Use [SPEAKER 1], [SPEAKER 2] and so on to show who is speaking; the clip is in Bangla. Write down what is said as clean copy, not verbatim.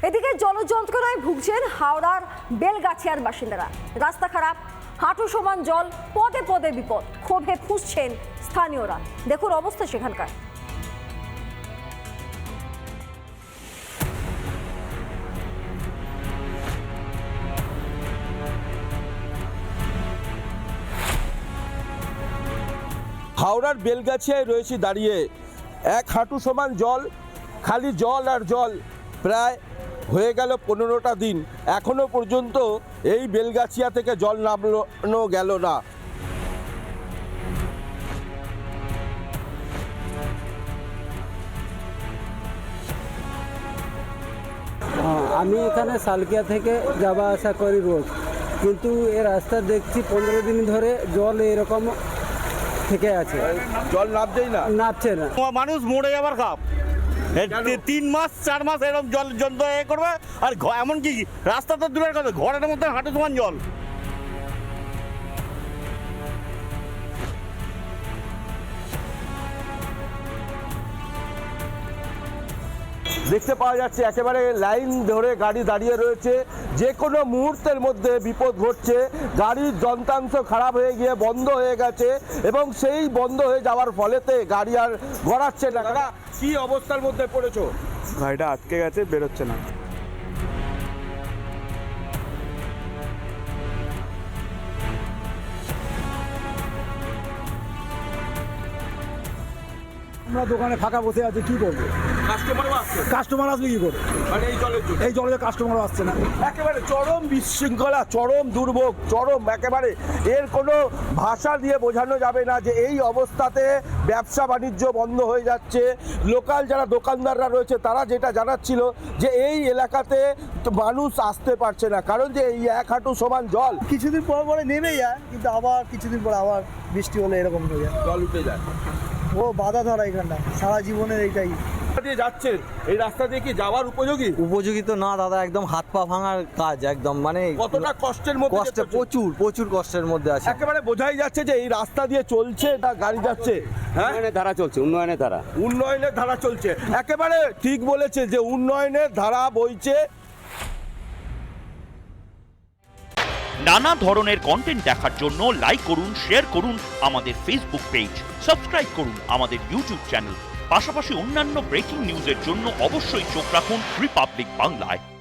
[SPEAKER 1] এদিকে জলযন্ত্রণায় ভুগছেন হাওড়ার বেলগাছিয়ার বাসিন্দারা। রাস্তা খারাপ, হাঁটু সমান জল, পদে পদে বিপদ, ক্ষোভে ফুঁসছেন স্থানীয়রা। দেখুন অবস্থা সেখানকার।
[SPEAKER 2] হাওড়ার বেলগাছিয়ায় রয়েছি দাঁড়িয়ে। এক হাঁটু সমান জল, খালি জল আর জল। প্রায় হয়ে গেল 15টা দিন, এখনো পর্যন্ত এই বেলগাছিয়া থেকে জল নামানো গেল না।
[SPEAKER 3] আমি এখানে সালকিয়া থেকে যাওয়া আসা করি রোজ, কিন্তু এই রাস্তা দেখছি 15 দিন ধরে জল এরকম থেকে আছে,
[SPEAKER 2] জল নামছেই না,
[SPEAKER 3] নামছে না।
[SPEAKER 4] মানুষ মরে যাবার খাপ। 3 মাস 4 মাস এরকম জল যন্ত্রণা করবে, আর এমনকি রাস্তা তো দূরের কথা, ঘরের মধ্যে হাঁটু সমান জল।
[SPEAKER 2] দেখতে পাওয়া যাচ্ছে একেবারে লাইন ধরে গাড়ি দাঁড়িয়ে রয়েছে। যে কোনো মুহূর্তের মধ্যে বিপদ ঘটছে। গাড়ির যন্ত্রাংশ খারাপ হয়ে গিয়ে বন্ধ হয়ে গেছে, এবং সেই বন্ধ হয়ে যাওয়ার ফলেতে গাড়ি আর গড়াচ্ছে না। দাদা, কি অবস্থার মধ্যে পড়েছো?
[SPEAKER 5] গাড়িটা আটকে গেছে, বেরোচ্ছে না।
[SPEAKER 6] আমরা দোকানে ফাঁকা বসে আছি, কি করবো? কাস্টমার আসবে কি করে?
[SPEAKER 2] মানে এই জলের জন্য
[SPEAKER 6] এই জলে কাস্টমারও আসছে না।
[SPEAKER 2] একেবারে চরম বিশৃঙ্খলা, চরম দুর্ভোগ, চরম একেবারে এর কোনো ভাষা দিয়ে বোঝানো যাবে না যে এই অবস্থাতে ব্যবসা বাণিজ্য বন্ধ হয়ে যাচ্ছে। লোকাল যারা দোকানদাররা রয়েছে তারা যেটা জানাচ্ছিল যে এই এলাকাতে মানুষ আসতে পারছে না, কারণ যে এই এক হাঁটু সমান জল।
[SPEAKER 7] কিছুদিন পর পরে নেমে যায়, কিন্তু আবার কিছুদিন পর আবার বৃষ্টি হলে এরকম হয়ে যায়,
[SPEAKER 2] জল উঠে যায়।
[SPEAKER 7] ও বাধা ধরা এখানটা সারা জীবনের এইটাই।
[SPEAKER 2] দিয়ে যাচ্ছেন, এই রাস্তা দিয়ে কি যাওয়ার উপযোগী?
[SPEAKER 8] উপযোগী তো না দাদা, একদম হাত পা ভাঙার কাজ, একদম মানে
[SPEAKER 2] কতটা কষ্টের মধ্যে
[SPEAKER 8] কষ্টে, প্রচুর প্রচুর কষ্টের মধ্যে আছে।
[SPEAKER 2] একেবারে বোঝাই যাচ্ছে যে এই রাস্তা দিয়ে চলছে না গাড়ি যাচ্ছে। হ্যাঁ,
[SPEAKER 5] উন্নয়নের ধারা চলছে, উন্নয়নের ধারা।
[SPEAKER 2] উন্নয়নের ধারা চলছে। একেবারে ঠিক বলেছে যে উন্নয়নের ধারা বইছে।
[SPEAKER 9] নানা ধরনের কন্টেন্ট দেখার জন্য লাইক করুন, শেয়ার করুন আমাদের ফেসবুক পেজ, সাবস্ক্রাইব করুন আমাদের ইউটিউব চ্যানেল। পাশাপাশি অন্যান্য ব্রেকিং নিউজের জন্য অবশ্যই চোখ রাখুন রিপাবলিক বাংলায়।